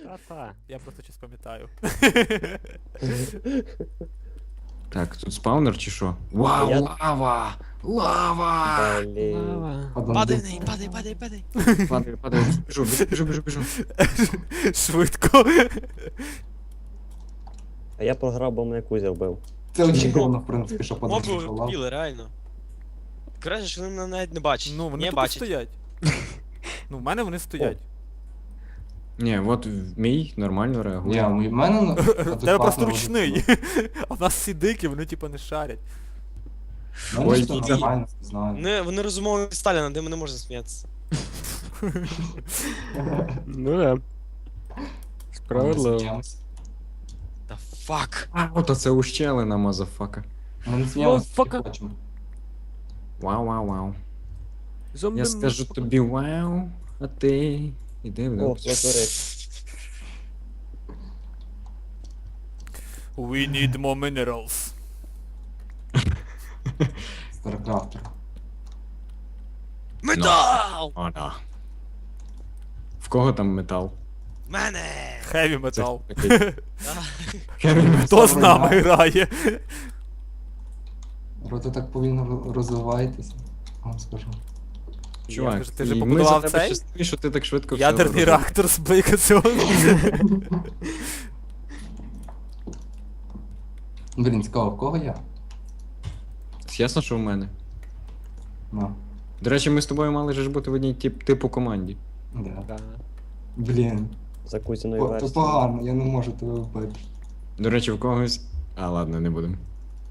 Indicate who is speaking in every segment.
Speaker 1: Та-та.
Speaker 2: Я просто щось пам'ятаю.
Speaker 3: Так, тут спаунер чи що? Вау,
Speaker 1: Я-
Speaker 3: лава! Лава!
Speaker 1: Блін.
Speaker 3: Лава!
Speaker 2: Падай в неї, падай, падай, падай.
Speaker 3: Падаю, падаю, біжу.
Speaker 2: Швидко.
Speaker 1: А я програв, бо мене Кузя вбив.
Speaker 4: Це очікувано, в принципі, що
Speaker 5: Моби
Speaker 4: подивився.
Speaker 5: вбили, реально. Краще, що вони мене навіть не бачать.
Speaker 2: Ну, вони
Speaker 5: не
Speaker 2: тут
Speaker 5: бачать.
Speaker 2: стоять. Ну, в мене вони стоять.
Speaker 3: Ні, от мій нормально
Speaker 4: Ні,
Speaker 3: реагує.
Speaker 4: у мене
Speaker 2: В тебе просто ручний. А в нас всі дикі, вони типа не шарять.
Speaker 4: Ой,
Speaker 3: Ой,
Speaker 4: це
Speaker 3: ні.
Speaker 4: нормально, не знаю.
Speaker 5: Вони розумові Сталіна, де мене можна сміятися.
Speaker 1: Ну да. Справедливо.
Speaker 4: Сміємось.
Speaker 5: Та фак.
Speaker 3: А, от оце ущелина, мазафака.
Speaker 4: Ми не сміємося,
Speaker 1: Мазафака.
Speaker 4: тільки хочемо.
Speaker 3: Вау.
Speaker 1: Зомби
Speaker 3: Я скажу тобі вау, а ти... Іди в
Speaker 1: О, лазурит.
Speaker 2: We need more minerals.
Speaker 4: Старкрафтер.
Speaker 5: Метал!
Speaker 3: О, да. В кого там метал?
Speaker 5: Мене!
Speaker 2: Heavy metal.
Speaker 3: Такий
Speaker 5: Да.
Speaker 3: heavy metal.
Speaker 2: Хто з нами грає?
Speaker 4: Ви так повільно розвиваєтеся, вам скажу.
Speaker 3: Чувак,
Speaker 2: Ти вже
Speaker 3: і ми
Speaker 2: побудував
Speaker 3: за тебе
Speaker 2: цей?
Speaker 3: щасливі, що ти так швидко все
Speaker 2: Ядерний
Speaker 3: розумієш.
Speaker 2: реактор з бойкаціону.
Speaker 4: Блін, цікаво, в кого я?
Speaker 3: Ясно, що в мене.
Speaker 4: Ну,
Speaker 3: До речі, ми з тобою мали ж бути в одній типу команді.
Speaker 4: да.
Speaker 1: Да.
Speaker 4: Блін,
Speaker 1: За Кузіною
Speaker 4: то
Speaker 1: версією.
Speaker 4: погано, я не можу тебе вбити.
Speaker 3: До речі, в когось. А, ладно, не будемо.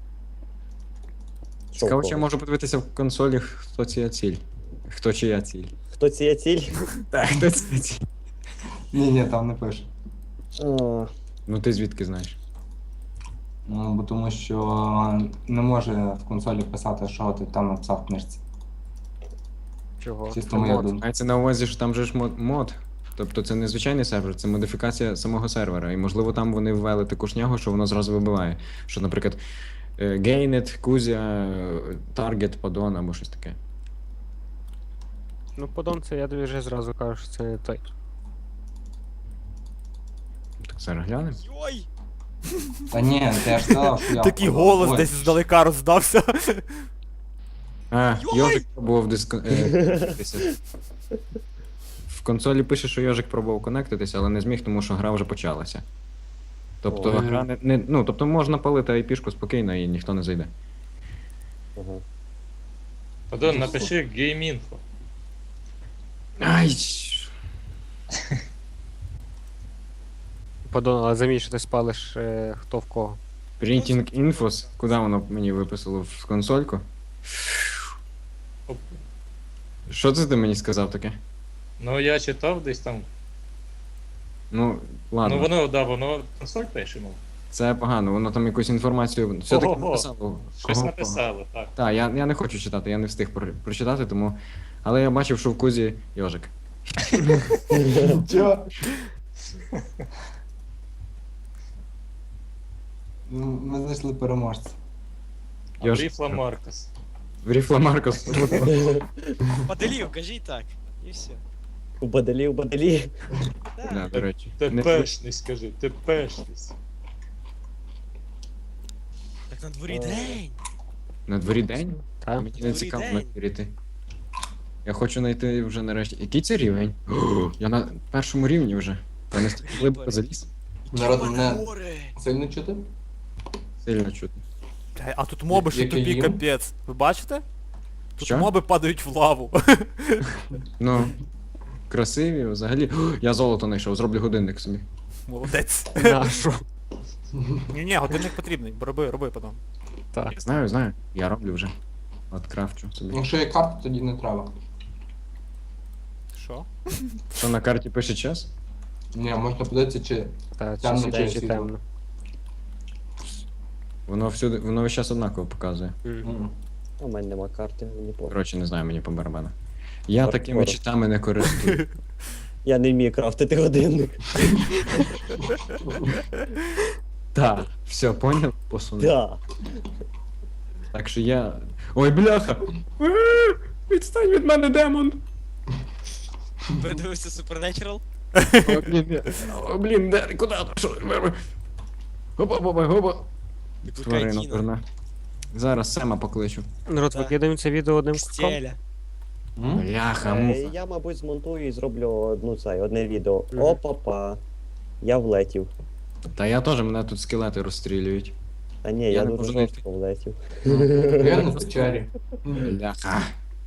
Speaker 1: Що
Speaker 3: Цікаво,
Speaker 1: в
Speaker 3: чи я
Speaker 1: когось?
Speaker 3: можу подивитися в консолі, хто чия ціль. Хто чия ціль.
Speaker 1: Хто ціє ціль?
Speaker 3: Так, хто чия ціль.
Speaker 4: Ні, там не пише.
Speaker 1: А,
Speaker 3: Ну ти звідки знаєш?
Speaker 4: Ну, бо тому що не може в консолі писати, що ти там написав в книжці.
Speaker 1: Чого?
Speaker 4: Чисто моя думка.
Speaker 3: Мається на увазі, що там же ж мод. Тобто це не звичайний сервер, це модифікація самого сервера. І можливо там вони ввели таку шнягу, що воно зразу вибиває. Що, наприклад, Gained, Кузя, Target, Подон або щось таке.
Speaker 6: Ну, подон це я тобі вже зразу кажу, що це не той.
Speaker 3: Так зараз глянемо.
Speaker 5: Йой!
Speaker 4: Та ні, ти ж сказав, що я...
Speaker 2: Такий голос
Speaker 4: Ой,
Speaker 2: десь здалека роздався.
Speaker 3: А,
Speaker 5: Йой!
Speaker 3: Йожик пробував В консолі пише, що Йожик пробував конектитися, але не зміг, тому що гра вже почалася. Тобто
Speaker 1: Ой.
Speaker 3: гра ну, тобто можна палити IP-шку спокійно і ніхто не зайде.
Speaker 1: Ага.
Speaker 7: Подон, напиши геймінфо.
Speaker 3: Ай!
Speaker 6: Подон, але замій, що ти спалиш хто в кого.
Speaker 3: Printing Infos, куди воно мені виписало в консольку?
Speaker 7: Оп.
Speaker 3: Що це ти мені сказав таке?
Speaker 7: Ну я читав десь там.
Speaker 3: Ну, ладно,
Speaker 7: Ну воно, да, воно консоль пише, мов.
Speaker 3: це погано, воно там якусь інформацію все-таки
Speaker 7: Ого-го.
Speaker 3: написало.
Speaker 7: Щось
Speaker 3: Кого?
Speaker 7: написало, так.
Speaker 3: Так, я не хочу читати, я не встиг прочитати, тому. Але я бачив, що в кузі Йожик.
Speaker 4: Чо? Ну, ми знайшли переможця.
Speaker 7: А
Speaker 3: Йош-
Speaker 7: Бріфла Маркос.
Speaker 3: В Ріфла Маркос.
Speaker 5: Поделів, кажіть так. І все.
Speaker 1: У баделі.
Speaker 3: Да, до речі.
Speaker 7: Тепешність, скажи, тепешність.
Speaker 5: Так на дворі
Speaker 1: Ой.
Speaker 5: день.
Speaker 3: На дворі день?
Speaker 6: Та?
Speaker 3: Мені не
Speaker 5: Добрий
Speaker 3: цікаво
Speaker 5: день.
Speaker 3: навірити. Я хочу знайти вже нарешті. Який це рівень? О, я на першому рівні вже. Я не стільки глибоко заліз.
Speaker 4: Народ,
Speaker 5: Які
Speaker 4: мене
Speaker 5: гори.
Speaker 4: сильно чути?
Speaker 3: Сильно чути.
Speaker 2: Бля, а тут моби ще
Speaker 4: Який
Speaker 2: тобі
Speaker 4: їм?
Speaker 2: капець. Ви бачите? Тут
Speaker 3: Що?
Speaker 2: моби падають в лаву.
Speaker 3: Ну, красиві взагалі. О, я золото знайшов, зроблю годинник собі.
Speaker 2: Молодець.
Speaker 6: Нашу.
Speaker 2: Ні, годинник потрібний. Роби потім.
Speaker 6: Так.
Speaker 3: Я знаю, я роблю вже. От крафчу собі.
Speaker 4: Якщо є карта, тоді не треба.
Speaker 2: Що?
Speaker 3: Що на карті пише час?
Speaker 4: Ні, можна подивитися, чи...
Speaker 6: Та, чи
Speaker 4: Темно,
Speaker 6: сідає,
Speaker 4: чи
Speaker 6: чи
Speaker 4: світло?
Speaker 6: темно.
Speaker 3: Воно всюди, воно весь час однаково показує.
Speaker 4: М.
Speaker 1: У мене нема карти, мені по.
Speaker 3: Коротше, не знаю, мені по барабану. Я
Speaker 1: Хардкор.
Speaker 3: такими читами не користуюсь.
Speaker 1: Я не вмію крафтити годинник.
Speaker 3: Так, все, поняв? Посунув.
Speaker 1: Да.
Speaker 3: Так що я. Ой, бляха! Відстань від мене, демон!
Speaker 5: Передивився Supernatural?
Speaker 3: О, блін, де, куди? Що? Гопа, гопа.
Speaker 5: Викликай
Speaker 3: Тварина,
Speaker 5: Діна.
Speaker 3: дурна. Зараз Сема покличу.
Speaker 6: Народ,
Speaker 5: Так.
Speaker 6: викидаємо це відео одним куском.
Speaker 5: Стеля.
Speaker 3: Бляха, муха.
Speaker 1: Я, мабуть, змонтую і зроблю одне відео.
Speaker 6: Мгм.
Speaker 1: Опа-па. Я влетів.
Speaker 3: Та я теж, мене тут скелети розстрілюють.
Speaker 1: Та ні,
Speaker 3: Я
Speaker 1: я
Speaker 3: не
Speaker 1: дуже
Speaker 3: можу знайти.
Speaker 1: жорстко влетів.
Speaker 4: Я на печері.
Speaker 3: Бляха.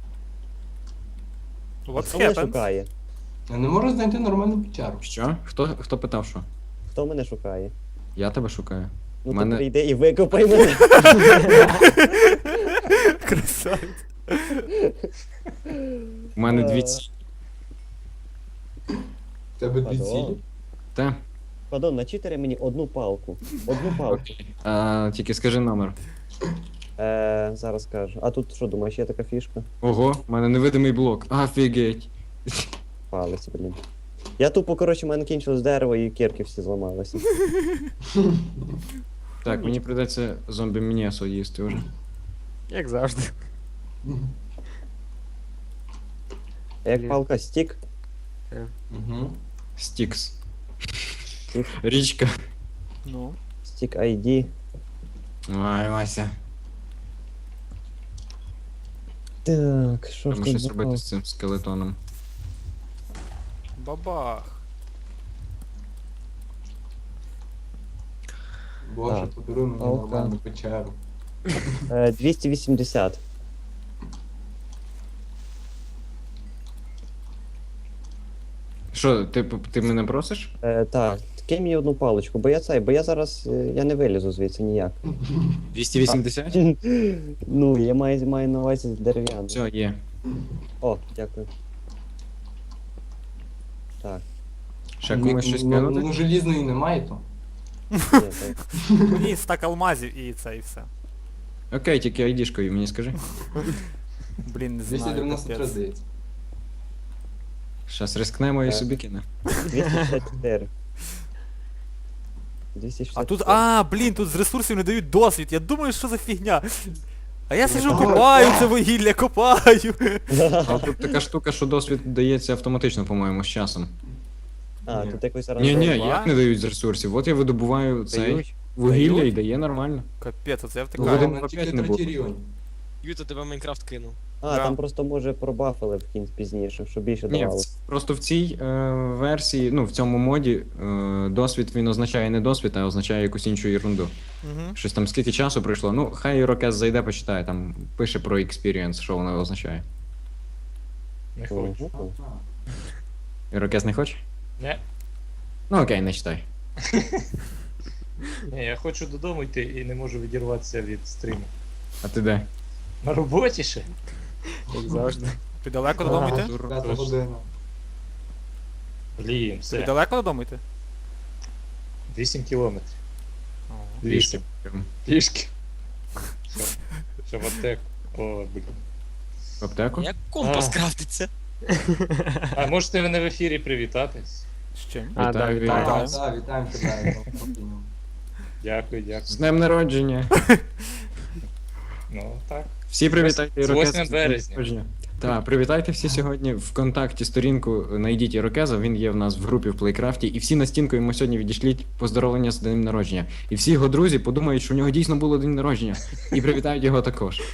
Speaker 2: What
Speaker 1: Хто мене
Speaker 2: happened?
Speaker 1: шукає?
Speaker 4: Я не можу знайти нормальну печеру.
Speaker 3: Що? Хто питав що?
Speaker 1: Хто мене шукає?
Speaker 3: Я тебе шукаю.
Speaker 1: Ну
Speaker 3: Мене-
Speaker 1: то прийди і викопай мене.
Speaker 2: Красавець.
Speaker 3: У мене дві
Speaker 1: Е.
Speaker 3: ці.
Speaker 4: В тебе дві
Speaker 1: Падон.
Speaker 4: цілі.
Speaker 3: Та?
Speaker 1: Падон, начитери мені одну палку. Одну палку.
Speaker 3: Тільки скажи номер.
Speaker 1: Зараз кажу. А тут що думаєш, є така фішка?
Speaker 3: Ого, у мене невидимий блок. Офігеть.
Speaker 1: Палець, блін. Я тупо, коротше, в мене кінчилось дерево і кірки всі зламалися.
Speaker 3: Так, мені прийдеться зомбі м'ясо їсти вже.
Speaker 6: Як завжди.
Speaker 1: А як
Speaker 6: Блін.
Speaker 1: палка стік,
Speaker 4: Угу.
Speaker 3: Стікс.
Speaker 1: Стікс.
Speaker 3: Річка.
Speaker 2: Ну.
Speaker 1: стік ID.
Speaker 3: Ай, Вася.
Speaker 1: Так, що ж
Speaker 3: Треба
Speaker 1: тут
Speaker 3: щось
Speaker 1: за
Speaker 3: робити
Speaker 1: палка?
Speaker 3: з цим скелетоном.
Speaker 2: Бабах.
Speaker 4: Боже,
Speaker 1: Так.
Speaker 4: подаруй мені
Speaker 1: Палка.
Speaker 4: нормальну печеру.
Speaker 1: 280.
Speaker 3: Що, ти мене просиш?
Speaker 1: Так, кинь мені одну паличку, бо я зараз я не вилізу звідси ніяк.
Speaker 3: 280?
Speaker 1: Ну, я маю на увазі дерев'яну.
Speaker 3: Все, є.
Speaker 1: О, дякую. Так,
Speaker 3: Ще комусь щось
Speaker 4: Ну,
Speaker 3: кинути?
Speaker 4: желізної немає то.
Speaker 1: ні, так.
Speaker 2: Ні, стак алмазів і це, і все.
Speaker 3: Окей, тільки айдішкою мені скажи.
Speaker 2: Блін, не знаю.
Speaker 4: 293,
Speaker 2: капець.
Speaker 4: здається.
Speaker 3: Щас рискнемо і собі кине.
Speaker 1: 264. 264.
Speaker 2: А тут, блін, тут з ресурсів не дають досвід. Я думаю, що за фігня. А я сижу,
Speaker 4: Ага.
Speaker 2: копаю це вугілля, копаю.
Speaker 3: А тут така штука, що досвід дається автоматично, по-моєму, з часом.
Speaker 1: А, тут якось
Speaker 3: Ні,
Speaker 1: рандом.
Speaker 3: ні, як не дають з ресурсів. От я видобуваю цей
Speaker 6: Дають.
Speaker 3: вугілля
Speaker 2: Дають?
Speaker 3: і дає нормально.
Speaker 2: Капець, оце я
Speaker 3: Ну,
Speaker 2: втикаю.
Speaker 3: один
Speaker 4: Мене
Speaker 3: по
Speaker 4: тільки
Speaker 3: п'ять не було.
Speaker 4: третій рівень.
Speaker 5: Юта тебе Майнкрафт кинув.
Speaker 1: А,
Speaker 2: Да.
Speaker 1: там просто може пробафили в кінці пізніше, щоб більше
Speaker 3: Ні,
Speaker 1: давало.
Speaker 3: просто в цій версії, ну, в цьому моді, досвід він означає не досвід, а означає якусь іншу ерунду.
Speaker 2: Угу.
Speaker 3: Щось там скільки часу пройшло. Ну, хай Ірокез зайде, почитає, там пише про experience, що воно означає.
Speaker 7: Не хочу.
Speaker 1: Ого.
Speaker 3: Ірокез не хоче?
Speaker 7: Не.
Speaker 3: Ну окей, не читай.
Speaker 7: Ні, я хочу додому йти і не можу відірватися від стріму.
Speaker 3: А ти де?
Speaker 7: На роботі ще?
Speaker 6: Як завжди.
Speaker 2: Ти далеко додому йти?
Speaker 4: П'ята
Speaker 7: Точно.
Speaker 4: година.
Speaker 7: Блін,
Speaker 2: Ти
Speaker 7: все.
Speaker 2: далеко додому йти?
Speaker 7: 8 кілометрів.
Speaker 2: О.
Speaker 3: Трішки.
Speaker 7: Пішки. Що в аптеку. О, блін.
Speaker 3: В аптеку?
Speaker 5: Як компас
Speaker 7: А.
Speaker 5: крафтиться?
Speaker 7: А можете мене в ефірі привітатись?
Speaker 2: З чим?
Speaker 6: А,
Speaker 3: Вітаю,
Speaker 6: да,
Speaker 3: вітаю.
Speaker 6: вітаю.
Speaker 4: Так, вітаємо тебе.
Speaker 7: Дякую, дякую.
Speaker 3: З днем народження!
Speaker 7: Ну, так.
Speaker 3: Всі привітайте
Speaker 7: З
Speaker 3: Ірокеза.
Speaker 7: 8 березня.
Speaker 3: Так, привітайте всі сьогодні. ВКонтакті сторінку знайдіть Ірокеза, він є в нас в групі в Плейкрафті, і всі на стінку йому сьогодні відійшліть поздоровлення з днем народження. І всі його друзі подумають, що у нього дійсно було день народження, і привітають його також.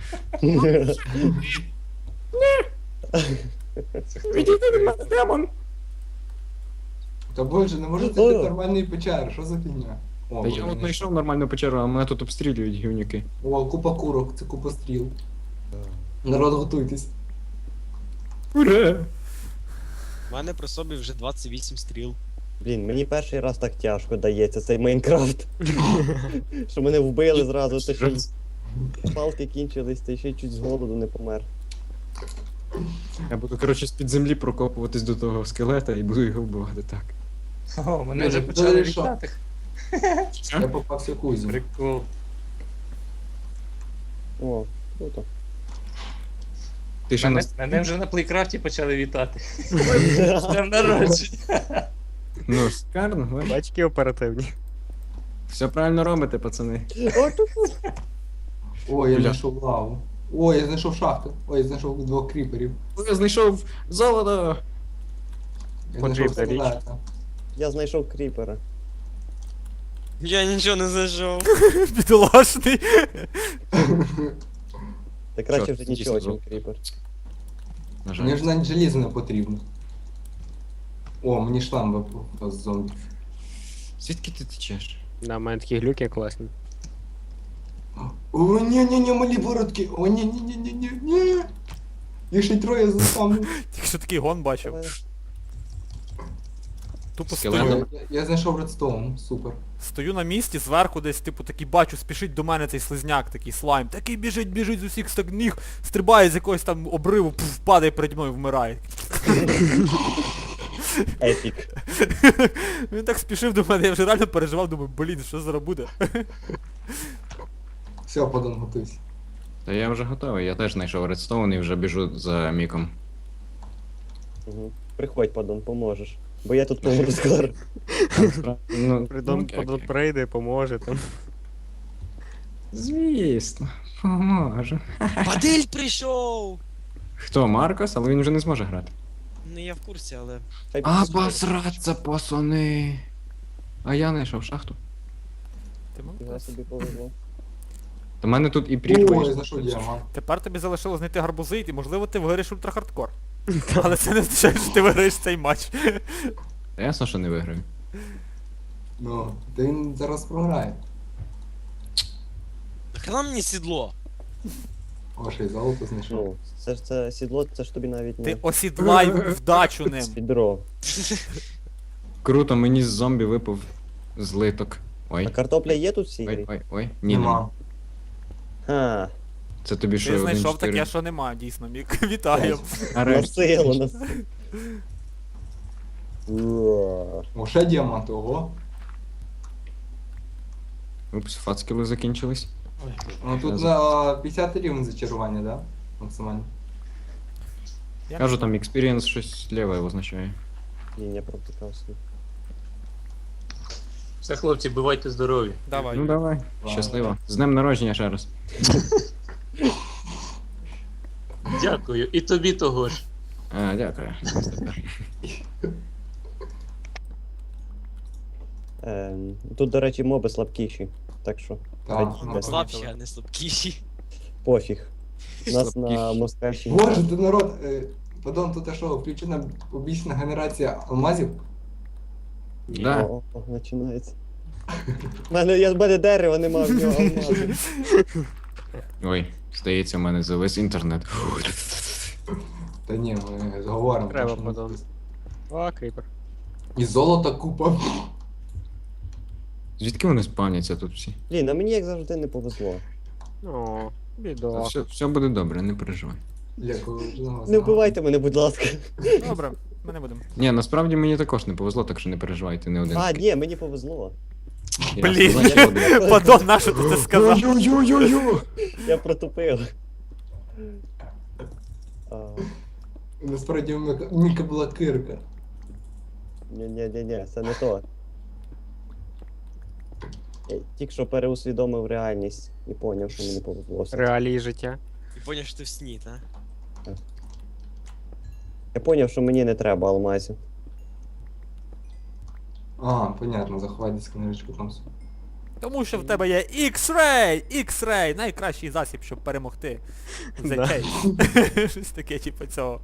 Speaker 7: Це хто?
Speaker 3: Відійди від мене, демон!
Speaker 4: Та боже, не можу
Speaker 1: О.
Speaker 4: знайти нормальної печери, що за фігня? О,
Speaker 3: Та я
Speaker 4: блін,
Speaker 3: от знайшов нормальну печеру, а мене тут обстрілюють гівнюки.
Speaker 4: О, купа курок, це купа стріл. Народ, готуйтесь.
Speaker 3: Ура!
Speaker 5: У мене при собі вже 28 стріл.
Speaker 1: Блін, мені перший раз так тяжко дається цей Майнкрафт. Що мене вбили зразу, та ще й палки кінчились, та ще й чуть з голоду не помер.
Speaker 3: Я буду, коротше, з-під землі прокопуватись до того скелета і буду його вбивати так.
Speaker 7: О, мене вже
Speaker 4: Ти
Speaker 7: почали
Speaker 4: що?
Speaker 7: вітати.
Speaker 4: Я попався кузю.
Speaker 7: Прикол.
Speaker 1: О, круто.
Speaker 3: Ти ще
Speaker 7: Мене,
Speaker 3: нас...
Speaker 7: мене вже на плейкрафті почали вітати. З днем народження.
Speaker 3: Ну, шикарно, ви.
Speaker 6: Бачки оперативні.
Speaker 3: Все правильно робите, пацани.
Speaker 4: О, я
Speaker 3: Бля.
Speaker 4: знайшов лаву. О, я знайшов шахту. Ой, я знайшов 2 кріперів.
Speaker 3: Я знайшов золото!
Speaker 4: Я
Speaker 6: Потрібна
Speaker 4: знайшов
Speaker 6: річ.
Speaker 4: скелета.
Speaker 1: Я знайшов кріпера.
Speaker 5: Я нічого не знайшов.
Speaker 2: Бідолашний.
Speaker 1: Та краще
Speaker 3: Що,
Speaker 1: вже
Speaker 3: дійсно
Speaker 1: нічого, чим
Speaker 3: золото.
Speaker 1: кріпер.
Speaker 3: На жаль.
Speaker 4: Мені ж навіть желізо не потрібно. О, мені шлем випав з зомбі.
Speaker 3: Звідки ти течеш?
Speaker 6: На мене такі глюки класні.
Speaker 4: О, ні, малі бородки. О, ні. Їх ще й троє заставлю.
Speaker 2: Тільки що такий гон бачив. Тупо
Speaker 3: Скелет.
Speaker 2: стою.
Speaker 4: Я знайшов редстоун, супер.
Speaker 2: Стою на місці, зверху десь, типу, такий бачу, спішить до мене цей слизняк, такий слайм. Такий біжить з усіх ніг, стрибає з якогось там обриву, пф, падає переді мною, вмирає.
Speaker 1: Епік.
Speaker 2: Він так спішив до мене, я вже реально переживав, думаю, блін, що зараз буде?
Speaker 4: Все, подон, готуйся.
Speaker 3: Та я вже готовий, я теж знайшов редстоун і вже біжу за Міком.
Speaker 1: Угу. Приходь, падон, поможеш. Бо я тут помру скоро.
Speaker 3: Ну,
Speaker 6: Придом
Speaker 3: окей,
Speaker 6: подон
Speaker 3: окей.
Speaker 6: прийде, поможе там.
Speaker 3: Звісно, поможу.
Speaker 5: Падиль прийшов!
Speaker 3: Хто, Маркос? Але він вже не зможе грати.
Speaker 5: Ну я в курсі, але.
Speaker 1: Хай
Speaker 3: А,
Speaker 1: піде.
Speaker 3: посраться, пацани. А я знайшов шахту.
Speaker 2: Ти мав?
Speaker 1: Його собі повезло.
Speaker 3: Та в мене тут і
Speaker 4: О,
Speaker 3: прірва.
Speaker 4: я знайшов діамант.
Speaker 2: Тепер тобі залишилось знайти гарбузи, і можливо ти виграєш ультрахардкор. Але це не означає, що ти виграєш цей матч.
Speaker 3: Та ясно, що не виграю.
Speaker 4: Ну, та він зараз програє.
Speaker 5: Нахрена мені сідло?
Speaker 4: О, ще й золото знайшов.
Speaker 1: Ну, це сідло, це ж тобі навіть
Speaker 2: Ти
Speaker 1: не
Speaker 2: осідлай вдачу ним.
Speaker 1: відро.
Speaker 3: Круто, мені з зомбі випав злиток. Ой.
Speaker 1: А картопля є тут в цій
Speaker 3: Ой,
Speaker 1: грі?
Speaker 3: ой, ой. Ні, нема.
Speaker 1: Ха,
Speaker 3: Це тобі що,
Speaker 2: Ти
Speaker 3: 1-4?
Speaker 2: знайшов таке, що нема, дійсно, Мік. Вітаю.
Speaker 3: Нарешті.
Speaker 1: насилу нас. Уа.
Speaker 4: О, ще діамант, ого.
Speaker 3: Упс, фацкіли закінчились.
Speaker 4: Ну тут на 50 рівень зачарування, да? Максимально.
Speaker 2: Я
Speaker 3: Кажу, там experience щось ліве означає.
Speaker 1: Ні, я провтикався.
Speaker 7: Все, хлопці, бувайте здорові.
Speaker 2: Давай.
Speaker 3: Ну давай, щасливо. З днем народження ще раз.
Speaker 7: Дякую. І тобі того ж.
Speaker 3: А, дякую.
Speaker 1: Тут, до речі, моби слабкіші. Так що
Speaker 4: Так,
Speaker 1: Хай
Speaker 4: ну,
Speaker 1: йде.
Speaker 5: Слабші, а не слабкіші.
Speaker 1: пофіг. Нас на
Speaker 3: Слабкіші.
Speaker 1: Москальщині.
Speaker 4: Боже, ти народ, Падон, тут що, включена побічна генерація алмазів?
Speaker 3: Да.
Speaker 1: О, починається. В мене дерева нема, в нього алмази.
Speaker 3: Ой, здається, в мене завис інтернет.
Speaker 4: Та ні, ми зговоримо.
Speaker 6: Треба,
Speaker 4: тому що
Speaker 6: Падон. О, кріпер.
Speaker 4: І золота купа.
Speaker 3: Звідки вони спавняться тут всі?
Speaker 1: Блін, а мені як завжди не повезло.
Speaker 6: О,
Speaker 3: Та
Speaker 6: бідо.
Speaker 3: все буде добре, не переживай.
Speaker 1: Не вбивайте мене, будь ласка.
Speaker 2: Добре, ми не будемо.
Speaker 3: Ні, насправді мені також не повезло, так що не переживайте, не один.
Speaker 1: А, ні, мені повезло.
Speaker 3: Я
Speaker 2: Блін.
Speaker 3: сказав, що один.
Speaker 2: Падон, нащо ти це сказав?
Speaker 3: Ю-ю-ю-ю-ю!
Speaker 1: Я протупив. А,
Speaker 4: Насправді у Міка була кирка.
Speaker 1: Ні, це не то. Я тільки що переусвідомив реальність і поняв, що мені повезло. все.
Speaker 6: Реалії життя.
Speaker 5: І поняв, що ти в сні, та?
Speaker 1: Я поняв, що мені не треба алмазів.
Speaker 4: А, понятно, заховай десь книжечку там.
Speaker 2: Тому що в тебе є X-Ray! X-Ray! Найкращий засіб, щоб перемогти. The
Speaker 6: Да.
Speaker 2: Case. Щось таке, типу, цього.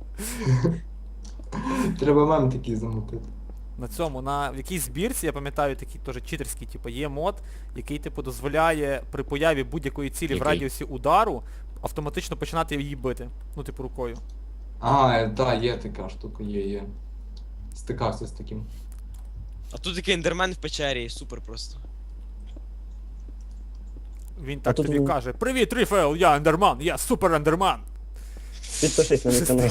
Speaker 4: Треба мем такий замутити.
Speaker 2: На цьому, в якійсь збірці, я пам'ятаю, такий теж читерський, типу, є мод, який, типу, дозволяє при появі будь-якої цілі в
Speaker 3: Який?
Speaker 2: радіусі удару автоматично починати її бити. Ну, типу, рукою.
Speaker 4: А, так, є така штука, є. Стикався з таким.
Speaker 5: А тут такий ендермен в печері, супер просто.
Speaker 2: Він так
Speaker 1: тут
Speaker 2: тобі
Speaker 1: він-
Speaker 2: каже: Привіт, Ріфел, я ендерман, я супер ендерман.
Speaker 1: Підпишись на мій канал.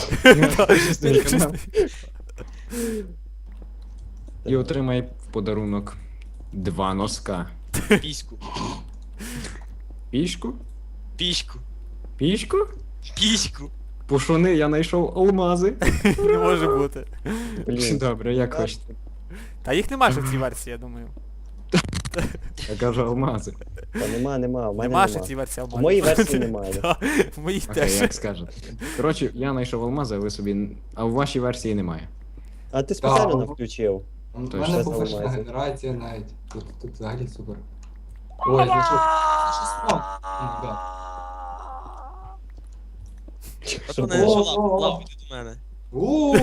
Speaker 3: І отримай в подарунок 2 носка.
Speaker 5: Піську.
Speaker 3: Пішку?
Speaker 5: Піську.
Speaker 3: Пішку?
Speaker 5: Піську.
Speaker 3: Пушуни, я знайшов алмази.
Speaker 2: Не може бути.
Speaker 1: Блін.
Speaker 3: Добре, як хочете.
Speaker 2: Та їх немає ще в цій версії, я думаю.
Speaker 3: Я кажу алмази.
Speaker 1: Та нема, в мене
Speaker 2: Нема ще в
Speaker 1: нема.
Speaker 2: цій версії
Speaker 1: В
Speaker 2: алмазів.
Speaker 1: моїй версії немає.
Speaker 2: Та, в моїй
Speaker 3: Окей,
Speaker 2: теж.
Speaker 3: як скажете. Коротше, я знайшов алмази, а ви собі. А в вашій версії немає.
Speaker 1: А ти спеціально
Speaker 4: Так.
Speaker 1: не включив.
Speaker 4: У
Speaker 3: Точно.
Speaker 4: мене
Speaker 1: Це
Speaker 4: повишена
Speaker 1: заламається.
Speaker 4: генерація навіть. Тут взагалі супер. Ой, знайшов. Знайшов спам.
Speaker 5: От
Speaker 1: Що
Speaker 5: мене
Speaker 1: було?
Speaker 5: жила, лав іди до мене.
Speaker 4: Ууу!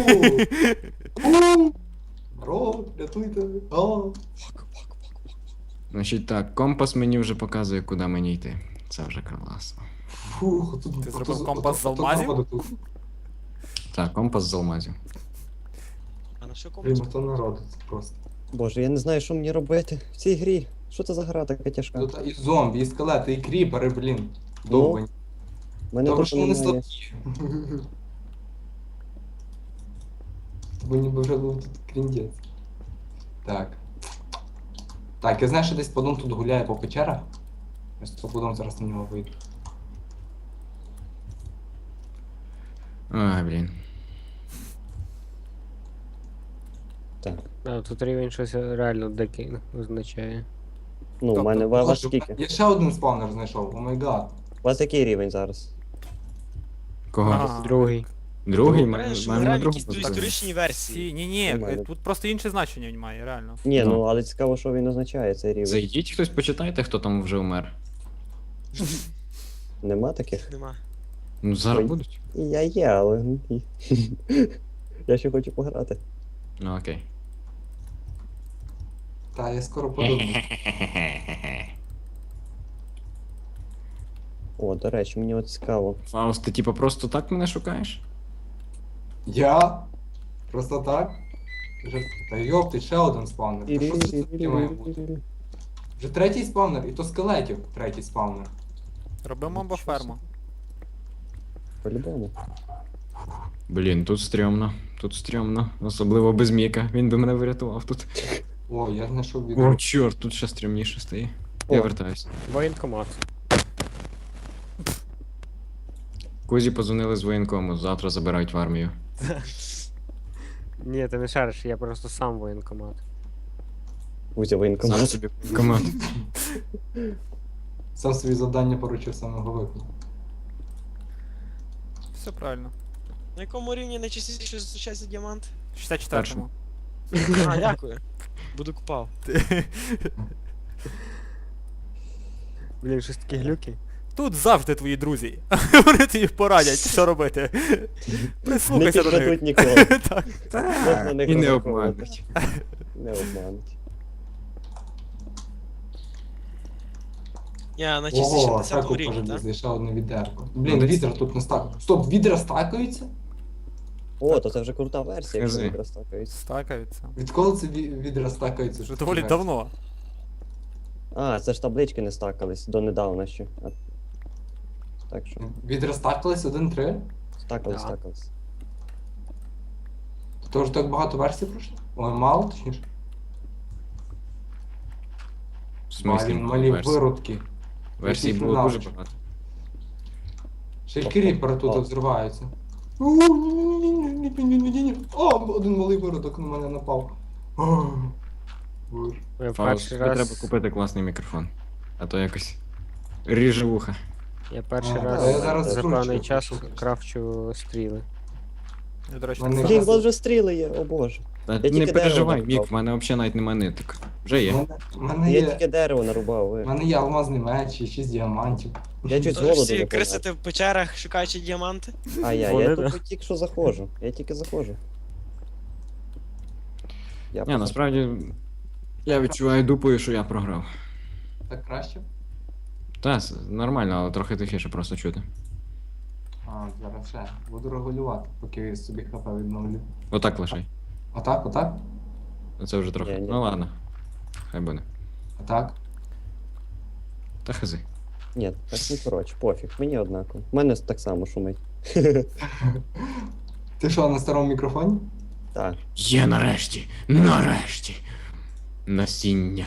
Speaker 4: Бро, рятуйте. О.
Speaker 3: Значить так, компас мені вже показує, куди мені йти. Це вже класно.
Speaker 4: Фух, тут
Speaker 2: Ти зробив компас з алмазів?
Speaker 3: Так, компас з алмазів.
Speaker 5: А на що
Speaker 4: Блін,
Speaker 5: комусь?
Speaker 4: то народу це просто.
Speaker 1: Боже, я не знаю, що мені робити в цій грі. Що це за гра така тяжка?
Speaker 4: Тут і зомбі, і скелети, і кріпери, блін. Довбані.
Speaker 1: Мене
Speaker 4: Добре,
Speaker 1: тут
Speaker 4: що вони
Speaker 1: немає.
Speaker 4: слабкі. Бо ніби вже був тут кріндець. Так. Так, я знаю, що десь подон тут гуляє по печерах. Я з подон зараз на нього вийду.
Speaker 3: Ай, блін.
Speaker 1: Так.
Speaker 6: А, тут рівень щось реально дикий означає.
Speaker 1: Ну, у мене
Speaker 4: Боже,
Speaker 1: вас скільки?
Speaker 4: я ще один спавнер знайшов, о май гад.
Speaker 1: У вас який рівень зараз?
Speaker 3: Кого?
Speaker 2: Ага.
Speaker 6: Другий.
Speaker 3: Другий?
Speaker 5: Реально, що ми
Speaker 3: Мене на
Speaker 5: граємо
Speaker 3: другому.
Speaker 5: якісь
Speaker 3: поставили.
Speaker 5: історичні версії.
Speaker 2: Ні,
Speaker 1: Нормально.
Speaker 2: тут просто інше значення він має, реально.
Speaker 1: Ні,
Speaker 3: Ну.
Speaker 1: ну але цікаво, що він означає, цей рівень.
Speaker 3: Зайдіть хтось, почитайте, хто там вже вмер.
Speaker 1: Нема таких?
Speaker 5: Нема.
Speaker 3: Ну, зараз
Speaker 1: Ой.
Speaker 3: будуть.
Speaker 1: І я є, але. Я ще хочу пограти.
Speaker 3: Ну окей.
Speaker 4: Та я скоро подумаю.
Speaker 1: О, до речі, мені от цікаво.
Speaker 3: Фауст, ти типа просто так мене шукаєш?
Speaker 4: Я? Просто так? Та йопти, ще один спавнер. Та що це таке має бути? Вже третій спавнер, і то скелетів третій спавнер.
Speaker 2: Робимо баферму.
Speaker 1: По-любому.
Speaker 3: Блін, тут стрьомно. Тут стрьомно. Особливо без Міка. Він би мене врятував тут.
Speaker 4: О, я знайшов
Speaker 3: О,
Speaker 4: відео.
Speaker 3: чорт, тут ще стрімніше стає.
Speaker 1: О.
Speaker 3: Я вертаюсь.
Speaker 6: Воєнкомат.
Speaker 3: Кузі позвонили з воєнкому, завтра забирають в армію.
Speaker 6: Ні, ти не шариш, я просто сам воєнкомат.
Speaker 1: Кузя
Speaker 3: Сам
Speaker 1: воєнкомат.
Speaker 3: собі команд.
Speaker 4: Сам свої завдання поручив самого виконав.
Speaker 2: Все правильно.
Speaker 5: На якому рівні найчастіше зустрічається діамант?
Speaker 2: 64-му.
Speaker 5: А, дякую. Буду купав.
Speaker 6: Блін, щось такі глюки.
Speaker 2: Тут завжди твої друзі. Вони тобі порадять, що робити.
Speaker 1: Не
Speaker 2: Прислухайся до них.
Speaker 1: підведуть ніколи.
Speaker 2: Так.
Speaker 1: Можна на них
Speaker 3: І не
Speaker 1: розраховувати.
Speaker 3: обмануть.
Speaker 1: Не обмануть.
Speaker 5: Я найчастіше на
Speaker 4: Ого,
Speaker 5: 10-му
Speaker 4: шаку
Speaker 5: рівні, так?
Speaker 4: пожалуйста, ще одне відерко. Блін,
Speaker 3: десь-
Speaker 4: відра тут не стакається. Стоп, відра стакаються?
Speaker 1: О, то це вже крута версія, якщо
Speaker 3: Скажи.
Speaker 1: не розтакається.
Speaker 2: Стакаються.
Speaker 4: Відколи це відра стакаються?
Speaker 2: Вже доволі давно.
Speaker 1: А, це ж таблички не стакались донедавна ще. Так що,
Speaker 4: Відра стакались 1-3?
Speaker 1: стакались,
Speaker 6: Да.
Speaker 1: стакались.
Speaker 4: То вже так багато версій пройшло? Ой, мало, точніше.
Speaker 3: В смислі,
Speaker 4: Малі
Speaker 3: версій?
Speaker 4: виродки.
Speaker 3: Версій
Speaker 4: Яких
Speaker 3: було дуже
Speaker 4: ненавиджу.
Speaker 3: багато.
Speaker 4: Ще й кріпери тут
Speaker 1: О.
Speaker 4: взриваються. Ні-ні-ні-ні-ні-ні-ні-ні. О, один малий виродок на мене напав. О, Боже.
Speaker 6: Я
Speaker 3: Фауст,
Speaker 6: перший
Speaker 3: тобі
Speaker 6: раз.
Speaker 3: треба купити класний мікрофон. А то якось ріже вуха.
Speaker 6: Я перший
Speaker 4: А,
Speaker 6: раз
Speaker 1: я зараз
Speaker 6: за
Speaker 4: скручу,
Speaker 6: певний час
Speaker 4: скручу.
Speaker 6: крафчу стріли.
Speaker 2: Я, до речі,
Speaker 4: Мене-
Speaker 2: так
Speaker 1: Блін,
Speaker 2: само.
Speaker 1: у вас вже стріли є, о боже.
Speaker 3: Та
Speaker 1: тільки
Speaker 3: не
Speaker 1: дерево
Speaker 3: переживай,
Speaker 1: нарубав.
Speaker 3: Мік, в мене взагалі навіть немає ниток. Вже є.
Speaker 4: У мене
Speaker 1: Я
Speaker 4: є.
Speaker 1: тільки дерево нарубав,
Speaker 4: У
Speaker 1: ви.
Speaker 4: мене є алмазний меч і 6 діамантів.
Speaker 1: Я чуть з
Speaker 5: Тож
Speaker 1: голоду
Speaker 5: всі
Speaker 1: не помер.
Speaker 5: крисити в печерах, шукаючи діаманти?
Speaker 1: А я
Speaker 6: Вони, да.
Speaker 1: тут тільки що заходжу. Я тільки заходжу. Я
Speaker 3: Ні, насправді я відчуваю дупою, що я програв.
Speaker 4: Так краще?
Speaker 3: Та, нормально, але трохи тихіше просто чути.
Speaker 4: А, зараз ще. Буду регулювати, поки собі хп відновлю.
Speaker 3: Отак лишай.
Speaker 4: Отак, отак?
Speaker 3: Це вже трохи.
Speaker 1: Ні, ні.
Speaker 3: Ну ладно. Хай буде.
Speaker 4: Отак.
Speaker 3: Та хази.
Speaker 1: Ні, так не коротше, пофіг, мені однаково. У мене так само шумить.
Speaker 4: Ти що, на старому мікрофоні?
Speaker 1: Так.
Speaker 3: Є нарешті! Нарешті! Насіння.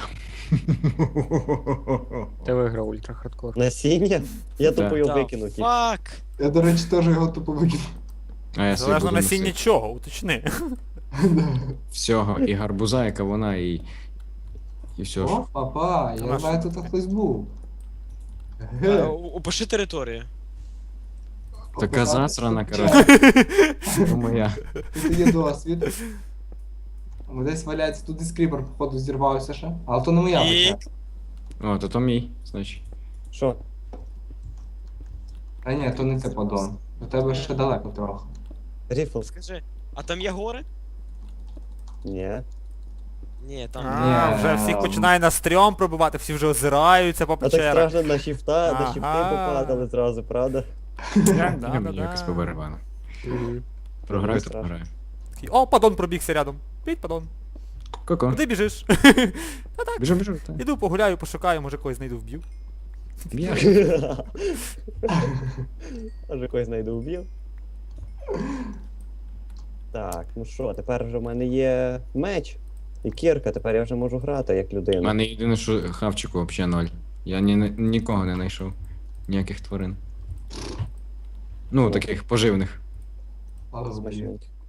Speaker 6: Ти виграв ультра хардкор.
Speaker 1: Насіння? Я
Speaker 3: Так.
Speaker 1: тупо його
Speaker 5: Та
Speaker 1: викинув тільки.
Speaker 5: Фак!
Speaker 4: Я, до речі, теж його тупо викинув.
Speaker 3: А я собі
Speaker 2: Залежно
Speaker 3: буду
Speaker 2: насіння
Speaker 3: носити.
Speaker 2: чого, уточни.
Speaker 3: Всього. І гарбуза, і кавуна, і все ж.
Speaker 4: О, папа, я
Speaker 2: Наш.
Speaker 4: знаю, тут хтось був.
Speaker 5: Опиши територію.
Speaker 3: Така
Speaker 4: Описати.
Speaker 3: засрана, коротше. Це моя.
Speaker 4: Тут є досвід. Десь валяється, тут десь кріпер, походу, зірвався ще. Але то не моя
Speaker 5: І-
Speaker 4: печера.
Speaker 3: О, то мій, значить.
Speaker 1: Що?
Speaker 4: А ні, то не це подон. До тебе ще далеко трохи.
Speaker 1: Ріфл?
Speaker 5: Скажи, а там є гори?
Speaker 1: Ні.
Speaker 5: Ні, там.
Speaker 2: А,
Speaker 4: Ні.
Speaker 2: вже всіх починає на стрьом пробивати, всі вже озираються по
Speaker 1: А так
Speaker 2: печерах.
Speaker 1: страшно на щифта, на щифти
Speaker 2: Ага.
Speaker 1: попадали зразу, правда?
Speaker 2: Да,
Speaker 3: Мені якось побарабану.
Speaker 6: Мгм.
Speaker 3: Програю, то
Speaker 1: Страшно.
Speaker 3: програю.
Speaker 2: О, падон пробігся рядом. Піть, падон.
Speaker 3: Ко-ко.
Speaker 2: Куди біжиш?
Speaker 3: Біжу, біжу. так.
Speaker 2: Іду погуляю, пошукаю, може когось знайду, вб'ю.
Speaker 3: Б'єш.
Speaker 1: Аж когось знайду вб'ю. Так, ну що, тепер вже в мене є меч і кірка, тепер я вже можу грати як
Speaker 3: У
Speaker 1: людина.
Speaker 3: мене єдине, що хавчику взагалі 0. Я нікого не знайшов. Ніяких тварин. Ну, таких поживних.
Speaker 4: Але
Speaker 1: Смачненько.